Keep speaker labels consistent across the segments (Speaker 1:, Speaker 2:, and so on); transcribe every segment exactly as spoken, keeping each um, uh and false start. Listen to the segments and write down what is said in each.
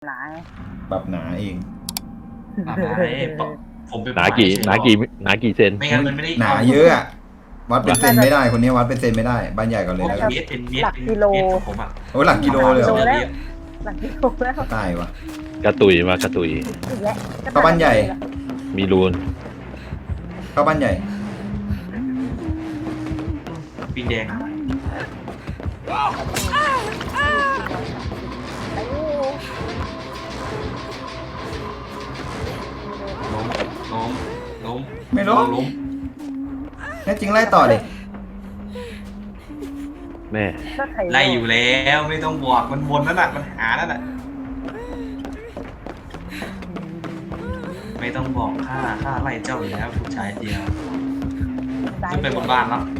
Speaker 1: หนา
Speaker 2: แบบหนาเอง
Speaker 3: หนาเองผมเป็น
Speaker 4: หนากี่หนากี่หนากี่เซน
Speaker 3: ไม่งั้นมันไม่ได้
Speaker 2: หนาเยอะอะวัดเป็นเซนไม่ได้คนนี้วัดเป็นเซนไม่ได้บ้านใหญ่ก่อนเลยแล้วกัน
Speaker 3: เมตรเป็นเมตร
Speaker 1: หลักกิโล
Speaker 3: ผมอ่ะ
Speaker 2: โอ้หลักกิโลเลยเหรอ
Speaker 1: แล้วหลักกิโลแล้ว
Speaker 2: ตายวะ
Speaker 4: กระตุยมากระตุย
Speaker 1: อีกแล้ว
Speaker 2: เข้าบ้านใหญ่
Speaker 4: มีรูน
Speaker 2: เข้าบ้านใหญ่
Speaker 3: ปิงแดงล้มล้มล้ม
Speaker 2: ไม่ล้ม
Speaker 3: ล้ม
Speaker 2: แน่จริงไล่ต่อดิ
Speaker 4: แม่
Speaker 3: ไล่อยู่แล้วไม่ต้องบวกมันวนนั่นแหละมันหานั่นแหละไม่ต้องบอกข้าข้าไล่เจ้าอยู่แล้วผู้ชายเดียวขึ้นไปบนบ้านแล้ว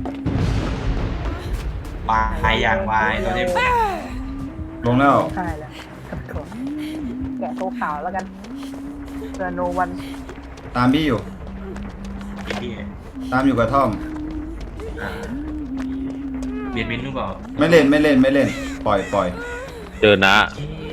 Speaker 3: ปลายอย่างวายตอนนี้
Speaker 2: ลงแล้ว
Speaker 1: ใช่แล้วกับตัวแกะโตขาวแล้วกันเจอโนวัน
Speaker 2: ตามพี่อยู่
Speaker 3: พี่
Speaker 2: ตามอยู่กระท่อม
Speaker 3: อ่าเบียดบินหรือเปล่า
Speaker 2: ไม่เล่นไม่เล่นไม่เล่น ปล่อยปล่อย
Speaker 4: เจอนะ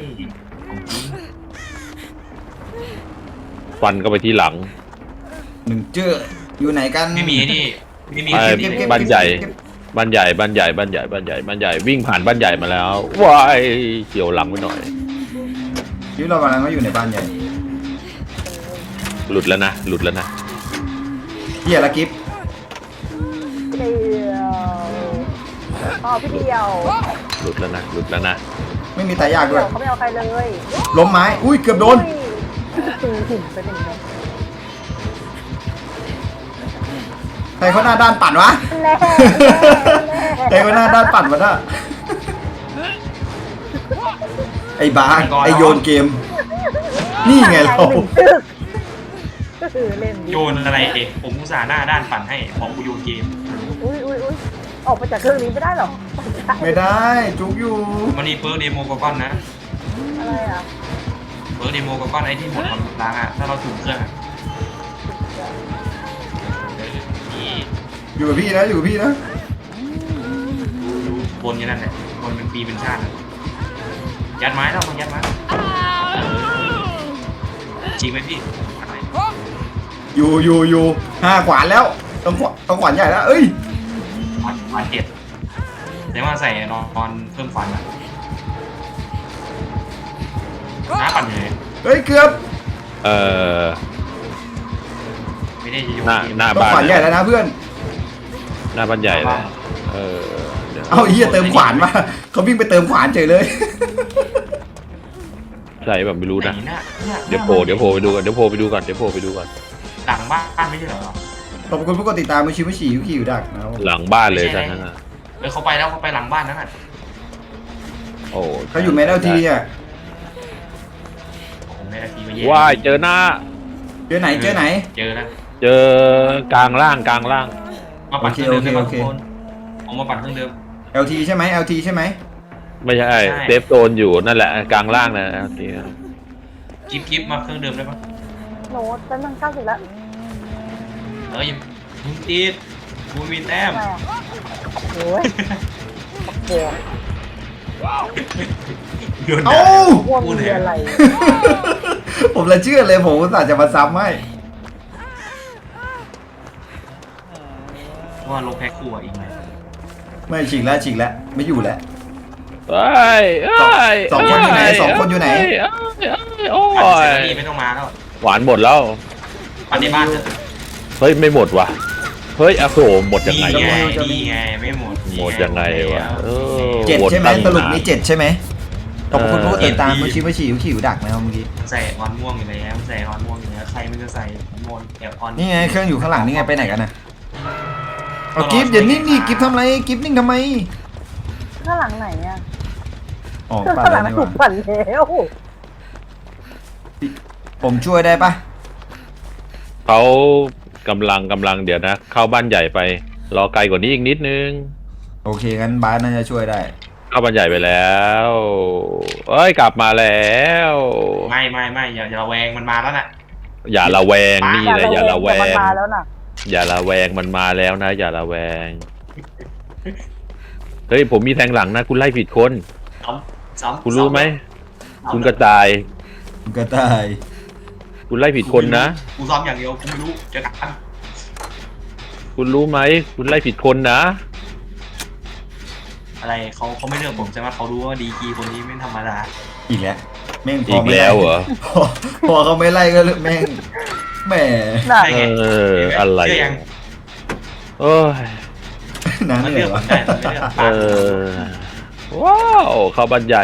Speaker 4: ฟันก็ไปที่หลัง
Speaker 2: หนึ่งเจออยู่ไหนกัน
Speaker 3: ไม่มีนี่ไม่มี
Speaker 4: ไอ้
Speaker 2: เก็บเก็บ
Speaker 4: บ้านใหญ่ บ้านใหญ่บ้านใหญ่บ้านใหญ่บ้านใหญ่บ้านใหญ่วิ่งผ่านบ้านใหญ่มาแล้วว้ายเกี่ยวหลังไปหน่อย
Speaker 2: ชีวิตเรากำลังก็อยู่ในบ้านใหญ่
Speaker 4: หลุดแล้วนะหลุดแล้วนะ
Speaker 2: เฮียละกิฟ
Speaker 1: เดียวอ๋อพี่เดียว
Speaker 4: หลุดแล้วนะหลุดแล้วนะ
Speaker 2: ไม่มีตายากด้วย
Speaker 1: เขาไม่เอาใครเลย
Speaker 2: ล้มไม้อุ้ยเกือบโดน
Speaker 1: ตีหินไปหนึ่งเลย
Speaker 2: ใครเขาหน้าด้านปั่นวะ
Speaker 1: แน่
Speaker 2: ใครเขาหน้าด้านปั่นวะน่ะไอ้บาสไอ้โยนเกม นี่ไงเรา
Speaker 1: หนึ่งตึกก็คือเล่น
Speaker 3: โยนอะไรเอกผมอุตส่าห์หน้าด้านปั่นให้ของกูโยนเกม
Speaker 1: อุ้ยอุ้ยอุ้ยออกไปจากเครื่องนี้ไม่ได้หรอ
Speaker 2: ไม่ได้จุกอยู่
Speaker 3: มันนี่เปิร์กเดโมกก้อนนะ
Speaker 1: อะไรอ่ะ
Speaker 3: เปิร์กเดโมกก้อนไอ้ที่หมดความล้างอ่ะถ้าเราถูกเครื่องอ่ะนี่
Speaker 2: อยู่กับพี่นะอยู่กับพี่นะ
Speaker 3: ดูบนอย่างนั้นแหละบนเป็นปีเป็นชาติยัดไม้แล้วมันยัดไม้จริงไหมพี่อะไร
Speaker 2: อยู่อยู่อยู่ห้าขวานแล้วต้องขวานต้องขวานใหญ่แล้วเอ้ย
Speaker 3: ฟันฟันเจ็ดแต่ว่าใส่นอนเพิ่มฟันอ่ะน้าปั่นอยู่เลย
Speaker 2: เฮ้ยเกือบ
Speaker 4: เอ่อ
Speaker 3: ไม่ได้จะโยน
Speaker 4: หน้า
Speaker 3: เกม
Speaker 4: หน้า
Speaker 2: ต้อง
Speaker 4: บ้าน
Speaker 2: ขวานใหญ่แล้วนะเพื่อน
Speaker 4: หน้าบ้านใหญ่เลยเออเดี๋ยว
Speaker 2: เอาไอ้เหี้ยเติมขวานมาเขาวิ่งไปเติมขวานเฉยเลย
Speaker 4: ใช่แบบไม่รู้นะ
Speaker 3: ไหหาหน้า
Speaker 4: เดี๋ยวโผล่เดี๋ยวโผล่ไปดูก่อนเดี๋ยวโผล่ไปดูก่อนเดี๋ยวโผล่ไปดูก่อน
Speaker 3: หลังบ้านไม่ใช่เหรอ
Speaker 2: ขอบคุณผู้กดติดตามมือชิวมือฉี่อยู่ขี่อยู่ดักนะครับ
Speaker 4: หลังบ้านเลยท่านนั้นน่ะ
Speaker 3: เออเขาไปแล้วเขาไปหลังบ้านนั่นน่ะ
Speaker 4: โอ้
Speaker 2: เขาอยู่แมนเอลทีอ่ะ
Speaker 3: ผมในนาทีมาแย่
Speaker 4: ว้ายเจอหน้า
Speaker 2: เจอไหนเจอไหน
Speaker 3: เจอแล้ว
Speaker 4: เจอกลางล่างกลางล่าง
Speaker 3: มาปั่นเครื่องเดิมได้
Speaker 2: โอ
Speaker 3: ป่ะ
Speaker 2: เค
Speaker 3: ทุ
Speaker 2: โอก เค
Speaker 3: คนผมมาปั่นเครื่องเดิม
Speaker 2: เอลทีใช่ไหม แอล ที ใช่ไหม
Speaker 4: ไม่ใช่
Speaker 3: ใช่
Speaker 4: เซฟโซนอยู่นั่นแหละกลางล่างนะนี่
Speaker 3: กิฟกิฟมาเครื่องเดิมได้ปะ
Speaker 1: โน้ตเป็นตั้งเก้าสิบแล้ว
Speaker 3: เออยังมึงติดกูมีแต้ม
Speaker 1: ทำไมอ่ะโอ้ยปักโบก
Speaker 3: โยน
Speaker 2: เอ้า
Speaker 1: พวกมีอะไร
Speaker 2: ผมเลยเชื่อเลยผมอุตส่าห์จะมาซ้ำให้
Speaker 3: ว่าลงแพ็คคู่อ่ะอีกไหม
Speaker 2: ไม่ฉีกแล้วฉีกแล้วไม่อยู่แล้ว
Speaker 4: เอ้ยเอ้ย
Speaker 2: สองคนอยู่ไหนสองคนอยู่ไหน
Speaker 4: เอ้ยเอ้ยเอ้ยโอ้
Speaker 3: ปั่นเสร็จ
Speaker 4: ย
Speaker 3: แล้วนี่ไม่ต้องมาแล้ว
Speaker 4: หวานหมดแล้ว
Speaker 3: ปั่นในบ้านเถอะ
Speaker 4: เฮ้ยไม่หมดว่ะเฮ้ยอโศกหมดยัง
Speaker 3: นี่
Speaker 4: ไง
Speaker 3: ไง
Speaker 4: วะ
Speaker 3: นี่ไงไม่หมด
Speaker 4: หมดยังไงวะเออ
Speaker 2: เจ็ดใช่ไหม
Speaker 4: วนตั้ง
Speaker 2: สรุป
Speaker 4: นาน
Speaker 2: นี่เจ็ดใช่ไหมขอบคุณผู้กดติดตาม
Speaker 3: เออ
Speaker 2: มือชิวมือฉี่อยู่ขี่อยู่ดักนะครับเมื่อกี้
Speaker 3: ใส่ออนม่วงอยู่แล้วใส่ออนม่วงอยู่แล้วใครมันจะใส่ออนม่วงแอบออน
Speaker 2: นี่ไงเครื่องอยู่ข้างหลังนี่ไงไปไหนกันน่ะเอากิฟต์อย่านิ่งนี่กิฟต์ทำไรกิฟต์นิ่งทำไม
Speaker 1: ข้างหลังไหนอ่ะ
Speaker 2: อ๋อ
Speaker 1: ข้าง
Speaker 2: ปั่น
Speaker 1: หลั
Speaker 2: แล้ว
Speaker 1: ง
Speaker 2: นี่ห
Speaker 1: ถู
Speaker 2: ว่าก
Speaker 1: ปั่นแล้ว
Speaker 2: ผมช่วยได้ปะ
Speaker 4: เขากำลังกำลังเดี๋ยวนะ เข้าบ้านใหญ่ไปรอไกลกว่านี้อีกนิดนึง
Speaker 2: โอเคงั้นบาสน่าจะช่วยได้
Speaker 4: เข้าบ้านใหญ่ไปแล้วเอ้ยกลับมาแล้ว
Speaker 3: ไม่ไม่ไม่อย่าอย่าระแวงมันมาแล้วน่ะ
Speaker 4: อย่าระแวงนี่แหละอย่าระแว
Speaker 1: แต่มัน
Speaker 4: ง
Speaker 1: มาแล้วน่ะ
Speaker 4: อย่าระแวงมันมาแล้วนะ อย่าระแวงเฮ้ยผมมีแทงหลังนะ คุณไล่ผิดคน
Speaker 3: ซ้ำซ้ำ
Speaker 4: คุณรู้ไหม
Speaker 3: ซ้ำ
Speaker 4: คุณกระจาย
Speaker 2: คุณกระต่าย
Speaker 4: คุณไล่ผิดคนนะ
Speaker 3: กูซ้อมอย่างเดียวกูไม่รู้เจอกัน
Speaker 4: คุณรู้ไหมคุณไล่ผิดคนนะ
Speaker 3: อะไรเขาเขาไม่เลือกผมใช่ไหมเขารู้ว่าดีกรีคนนี้ไม่ธรรมดา
Speaker 2: อีกแล้วแม่งพ
Speaker 4: อี
Speaker 2: อก ไม่
Speaker 4: แล้
Speaker 2: ไล่
Speaker 4: วเหรอ
Speaker 2: พอพอเขาไม่ไล่ก็แม่งแหม
Speaker 1: น่ะ
Speaker 3: ใช่ไง
Speaker 4: เอออะไร
Speaker 3: เชื่อยัง
Speaker 4: โอ้ย
Speaker 2: น้ำ
Speaker 3: มัน
Speaker 2: เห
Speaker 3: เลื
Speaker 2: นื่
Speaker 3: อ
Speaker 2: อก ยวะ
Speaker 3: ผมได้มันไม่เลือก
Speaker 4: เออว้าวเข้าบ้านใหญ่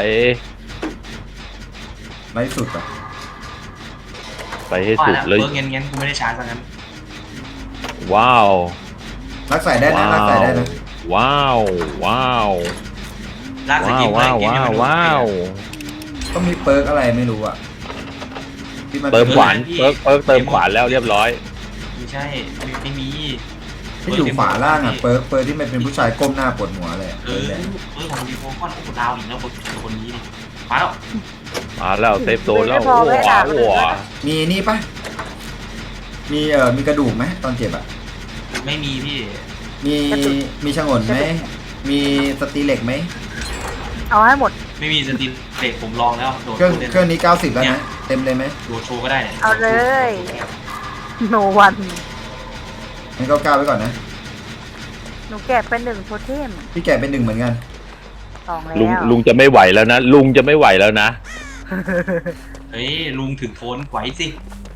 Speaker 2: ไล่สุดอ่ะ
Speaker 4: ไปให้
Speaker 3: ว่า
Speaker 4: สุด
Speaker 3: แล้ว
Speaker 4: เลย
Speaker 3: เบิร์กเงี้ยเงี้ยกูไม่ได้ชาร์จซะงั้น
Speaker 4: ว้าว
Speaker 2: รักใส่ได้นะรักใส่ได้นะ
Speaker 4: ว้าวว้าว
Speaker 3: ลากส
Speaker 4: ว้า
Speaker 3: กิ
Speaker 4: ว
Speaker 3: ลเลย
Speaker 4: ว้าว
Speaker 3: เกม
Speaker 4: ว้า
Speaker 3: นี้
Speaker 4: ว
Speaker 3: มัน
Speaker 4: ว้าว
Speaker 2: ต้องมีเปิร์กอะไรไม่รู้อ่ะที่มัน
Speaker 4: เติมขวานเปิร์กเปิร์กเติมขวานแล้วเรียบร้อย
Speaker 3: ไม่ใช่ไม่ไม่มี
Speaker 2: ที่อยู่ฝาล่างอ่ะเปิร์กเปิร์กที่มันเป็นผู้ชายก้มหน้าปวดหัวเลยอะ
Speaker 3: เอ
Speaker 2: เอ
Speaker 3: อ
Speaker 2: อแหละ
Speaker 3: เออของดีโฟคอนโอ้โหดาวอีกแล้วคนคนนี้ดิมาแล้ว
Speaker 4: มาแล้วเซฟโซนแล้วโอ้โหโอ้โห
Speaker 2: มีนี่ปะมีเอ่อมีกระดูกไหมตอนเจ็บอ่ะ
Speaker 3: ไม่มีพี่
Speaker 2: มีมีฉงนไหมมีสตีเหล็กไหม
Speaker 1: เอาให้หมด
Speaker 3: ไม่มีสติเตะผมลองแล้วโดด
Speaker 2: เครื่อง
Speaker 3: โดด
Speaker 2: เครื่องนี้เก้าสิบแล้วนะเต็มเลยไหม
Speaker 3: โดดโชว์ก็ได้เนี่ย
Speaker 1: เอาเลยโนวัน
Speaker 2: งั้นก็เก้าไว้ก่อนนะ
Speaker 1: หนูแกะเป็นหนึ่งโทเทม
Speaker 2: พี่แกะเป็นหนึ่งเหมือนกัน
Speaker 1: สองแล้ว
Speaker 4: ลุงลุงจะไม่ไหวแล้วนะ ลุงจะไม่ไหวแล้วนะ
Speaker 3: เฮ้ยลุงถึงโทนไหวสิ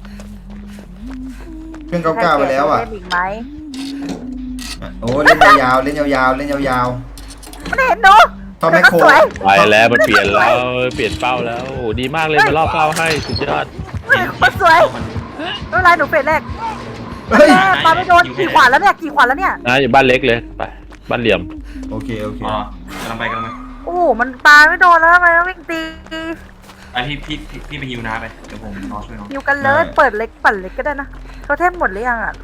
Speaker 2: เครื่องเก้าเก้าไปแล้วอ่ะ
Speaker 1: ใครแกโทเทมอีกไหม
Speaker 2: โอ้เล่นยาวๆเล่นยาวๆเล่นยาว
Speaker 1: ไม่เห็นหนู
Speaker 2: ๆทอมแมคโคร
Speaker 1: สวย
Speaker 4: ไปแล้วมันเปลี่ยนแล้วเปลี่ยนเป้าแล้วโอ้โหดีมากเลยมาล่อเป้าให้สุดยอด
Speaker 1: คนสวย
Speaker 3: มัน
Speaker 1: ไม่เป็นไรหนูเฟสแรก
Speaker 2: เฮ้ย
Speaker 1: แม่ปาไม่โดนกี่ขวานแล้วเนี่ยกี่ขวานแล้วเนี่ย
Speaker 4: นะอยู่บ้านเล็กเลยไปบ้านเหลี่ยม
Speaker 2: โอเคโอเค
Speaker 3: อ๋อกำลังไปกำลังไป
Speaker 1: โอ้โหมันปาไม่โดนแล้วทำไมต้องวิ่งตี
Speaker 3: ไอพี่พี่พี่พี่ไปฮิวน้าไปเดี๋ยวผมรอช่วยน้อง
Speaker 1: อยู่กันเลยเปิดเล็กปั่นเล็กก็ได้นะโทเทมหมดหรือยังอ่ะ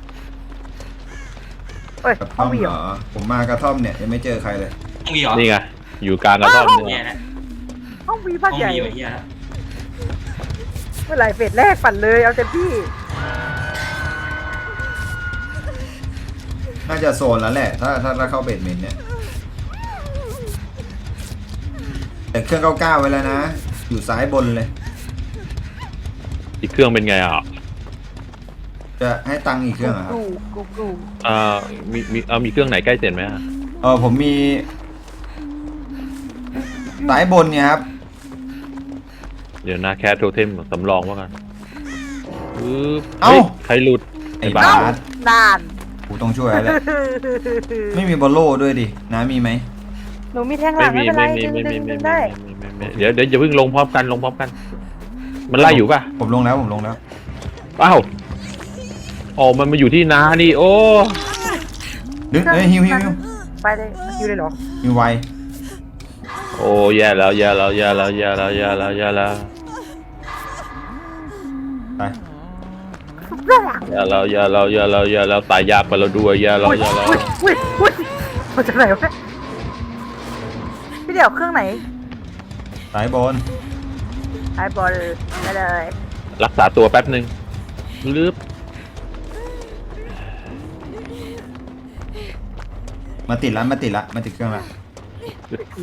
Speaker 1: เอ้ย
Speaker 2: กระท่
Speaker 1: เอา
Speaker 2: อม
Speaker 1: วี
Speaker 2: เห
Speaker 1: เห
Speaker 2: ร
Speaker 1: รอ
Speaker 2: อผมมากระท่อมเนี่ยยังไม่เจอใครเลย
Speaker 3: ต้องมีเหรอ
Speaker 4: นี่ไงอยู่กลางกระท่อม
Speaker 3: แย่
Speaker 4: เนี่ย
Speaker 3: แล้ว
Speaker 1: เอาวี
Speaker 3: ต้
Speaker 1: บ้า
Speaker 3: อน ง
Speaker 1: ใหญ่
Speaker 3: มีไว้เฮียแล้ว
Speaker 1: เมื่อไหร่เฟสแรกปั่นเลยเอาเต็มที่
Speaker 2: น่าจะโซนแล้วแหละ ถ้าถ้าถ้าเข้าเบดเมนต์เนี่ยแต่เครื่องเก้าเก้าไว้แล้วนะ อยู่ซ้ายบนเลย
Speaker 4: อีกเครื่องเป็นไงอ่ะ
Speaker 2: จะให้ตังค์อีกเครื่องเหรอครับ
Speaker 1: กูกูกู
Speaker 4: อ่ามีมีเอามีเครื่องไหนใกล้เสร็จไหมอะ
Speaker 2: เออผมมีสายบนเนี่ยครับ
Speaker 4: เดี๋ยวนะแคทโทเทมสำรองว่ากันปึ๊บ
Speaker 2: เอ้า
Speaker 4: ฮ้ยใครหลุด
Speaker 2: ไอ้
Speaker 4: บ้า
Speaker 2: บ้า
Speaker 1: เอ้า
Speaker 2: ส
Speaker 1: นาน
Speaker 2: กูต้องช่วยแล้วแหละ ไม่มีบอลโล่ด้วยดินะมีไหม
Speaker 1: หนูมีแท่งห
Speaker 4: ไม่
Speaker 1: ลัง
Speaker 4: มี
Speaker 1: ไม่เป็นไร
Speaker 4: ไม่มี
Speaker 1: ดึง
Speaker 4: ไม่
Speaker 1: ดึ
Speaker 4: มี
Speaker 1: ง
Speaker 4: ไม่
Speaker 1: ดึง
Speaker 4: มี
Speaker 1: ได้
Speaker 4: ไม่มีไม่มีเดี๋ยวเดี๋ยวอย่าเพิ่งลงพร้อมกันลงพร้อมกัน มันไล่อยู่ป่ะ
Speaker 2: ผมลงแล้วผมลงแล้ว
Speaker 4: อ้าวอ๋อมันมาอยู่ที่นานี่โอ้
Speaker 2: ดึงเอ้ยฮิวฮิวฮิว
Speaker 1: ไปเลยอยู่เลยเหรอ
Speaker 2: ฮิวไว
Speaker 4: โอ้แย่แล้วแย่แล้วแย่แล้วแย่แล้วแย่แล้วแย่แล้ว
Speaker 2: ไป
Speaker 4: แย่แล้วแย่แล้วแย่แล้วแย่แล้วตายยากไปแล้วด้วยแย่แล้ว
Speaker 1: อุ้ย
Speaker 4: แย่แล้ว
Speaker 1: อุ้ยอุ้ยอุ้ยมาจากไหนวะเนี่ยพี่เดี๋ยวเครื่องไหน
Speaker 2: สายบน
Speaker 1: ไอบอลไปเลย
Speaker 4: รักษาตัวแป๊บหนึ่งลืบ
Speaker 2: มาติดแล้วมาติดละมาติดเครื่องละ
Speaker 1: ผี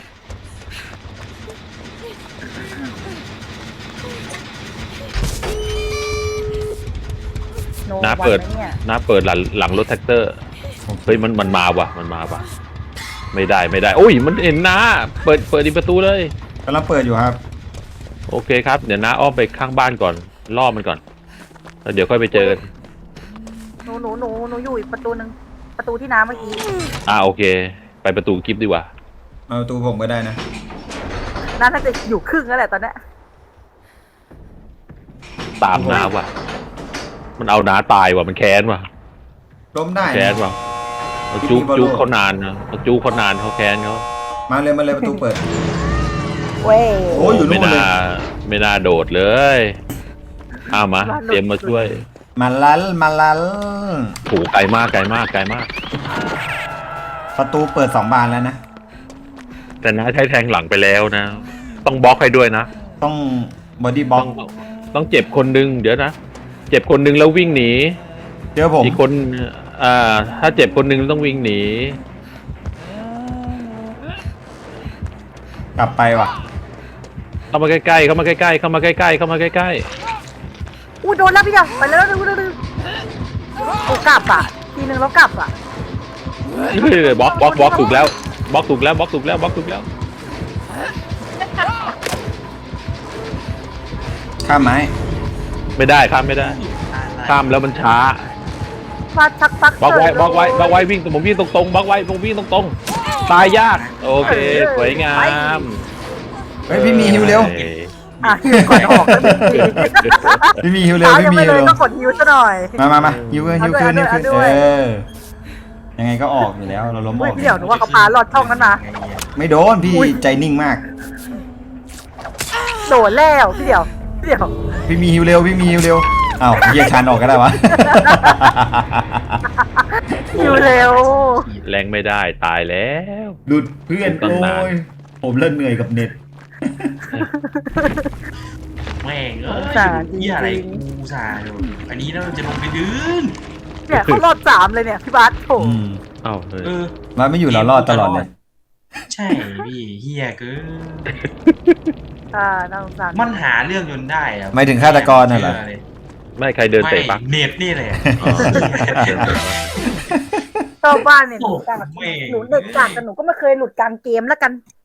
Speaker 1: โน
Speaker 4: น้า
Speaker 1: วัน
Speaker 4: เปิด
Speaker 1: ไหมเนี่ย
Speaker 4: น้าเปิดหลังหลังรถแท็กเตอร์เฮ้ยมันมันมาว่ะมันมาว่ะไม่ได้ไม่ได้โอ้ยมันเห็นน้าเปิดเปิดอีกประตูเลย
Speaker 2: กำลังเปิดอยู่ครับ
Speaker 4: โอเคครับเดี๋ยวน้าอ้อมไปข้างบ้านก่อนล่อมันก่อนแล้วเดี๋ยวค่อยไปเจอกัน
Speaker 1: หนูหนูหนูหนูอยู่อีกประตูหนึ่งประตูที่น้ำเมื่อกี้
Speaker 4: อ่าโอเค ไปประตูกิฟต์ดีกว่า
Speaker 2: มาประตูผมก็ได้นะ
Speaker 1: น่าจะอยู่ครึ่งแล้วแหละตอนเนี้ย
Speaker 4: ตามน้าว่ะ มันเอาน้าตายว่ะมันแค้นว่ะ
Speaker 2: ล้มได้
Speaker 4: แค้น
Speaker 2: นะ
Speaker 4: ว่ะเอาจุก
Speaker 2: พี่บอลโล
Speaker 4: จุกเขานานนะเอาจุกเขานานเขาแค้นเขา
Speaker 2: มาเลยมาเลยประตูเปิด
Speaker 1: เว้ย
Speaker 2: โอ้ยอยู่
Speaker 4: ไม่
Speaker 2: นู่นเล
Speaker 4: น่าย ไม่น่าโดดเลยอ้าวมาเตรียมมาช่วย
Speaker 2: มาลัลมาลัล
Speaker 4: โหไกลมากไกลมากไกลมาก
Speaker 2: ประตูเปิดสองบานแล้วนะ
Speaker 4: แต่น้าใช้แทงหลังไปแล้วนะ ต้องบล็อกให้ด้วยนะ
Speaker 2: ต้องบอดี้บล็อ
Speaker 4: ต้
Speaker 2: ก
Speaker 4: องต้องเจ็บคนนึงเดี๋ยวนะเจ็บคนนึงแล้ววิ่งหนี
Speaker 2: เจอผม
Speaker 4: อีกคนอ่าถ้าเจ็บคนนึงต้องวิ่งหนี
Speaker 2: กลับไปว่ะ
Speaker 4: เข้ามาใกล้ๆเข้ามาใกล้ๆเข้ามาใกล้ๆเข้ามาใกล้
Speaker 1: อู้โดนแล้วพี่เดียวไปแล้วดูดูดูโอ้กลับอ่ะทีนึงแล้วกลับอ่ะ
Speaker 4: ๆเฮ้ยบล็อกบล็อกบล็อกถูกแล้วบล็อกถูกแล้วบล็อกถูกแล้วบล็อกถูกแล้ว
Speaker 2: ข้ามไม้
Speaker 4: ไม่ได้ข้ามไม่ได้ข้ามแล้วมันช้า
Speaker 1: มาชักปัก
Speaker 4: บล็อกไว้บล็อกไว้บล็อกไว้วิ่งผมวิ่งตรงๆบล็อกไว้ผมวิ่งตรงๆตายยากโอเคสวยงาม
Speaker 2: เฮ้ยพี่มีฮิวเร็ว
Speaker 4: อ้ย
Speaker 1: อ่ะฮิวก่อนออกก็ดี
Speaker 2: พี่มีฮิวเร็ว
Speaker 1: เช้า
Speaker 2: พี่
Speaker 1: ยัง
Speaker 2: มี
Speaker 1: ไม่
Speaker 2: ฮิว
Speaker 1: เลย
Speaker 2: เร็ว
Speaker 1: ก็กดฮิวซะหน่อย
Speaker 2: มามามาฮิวขึ้นฮิวขึ้นฮิวขึ้น
Speaker 1: เอาด้วย
Speaker 2: เอ
Speaker 1: เอาด้วย
Speaker 2: อยังไงก็ออกอยู่แล้วเราล้มอ
Speaker 1: เฮ้ย
Speaker 2: อก
Speaker 1: พี่เดี๋ยวหนูว่าเขาพาลอดช่องนั้นมา
Speaker 2: ไม่โดนพี่
Speaker 1: อุ๊ย
Speaker 2: ใจนิ่งมาก
Speaker 1: โดดแล้วพี่เดี๋ยวพี่เดี๋ยว
Speaker 2: พี่มีฮิวเร็วพี่มีฮิวเร็วอ้าวเยียชันออกก็ได้วะ
Speaker 1: ฮิวเร็ว
Speaker 4: แรงไม่ได้ตายแล้ว
Speaker 2: หลุดเพื่อน
Speaker 4: ตั้
Speaker 2: โอ้
Speaker 4: งนาน
Speaker 2: ยผมเริ่มเหนื่อยกับเน็ต
Speaker 3: แม่งเอ้ย
Speaker 1: สารจริง
Speaker 3: เหี้ยอะไร
Speaker 1: ๆ
Speaker 3: กูสาดูอันนี้เราจะลงไปดื้น
Speaker 1: เนี่ยเขารอดสามเลยเนี่ยพี่บาสโถ
Speaker 2: อืม
Speaker 4: เอ้าเฮ้ย
Speaker 3: เออ
Speaker 2: มาไม่อยู่เรารอดตลอดเลย
Speaker 3: ใช่พี่เฮียเกิน
Speaker 1: อ่าน่าสงสาร
Speaker 3: มันหาเรื่องจนได้อะ
Speaker 2: หมายถึงฆาตกรน่ะเหรอ
Speaker 3: ชื่ลย
Speaker 4: ไม่ใครเดินเตะปะ
Speaker 3: ไม่เน็ตนี่แหละ
Speaker 4: อ๋อเดินเตะปะ
Speaker 1: ชอบบ้านเนี่ยหนูกลาง
Speaker 3: โอ้โหแม่ง
Speaker 1: หนูเด็กกลางแต่หนูก็ไม่เคยหลุดกลางเกมแล้วกัน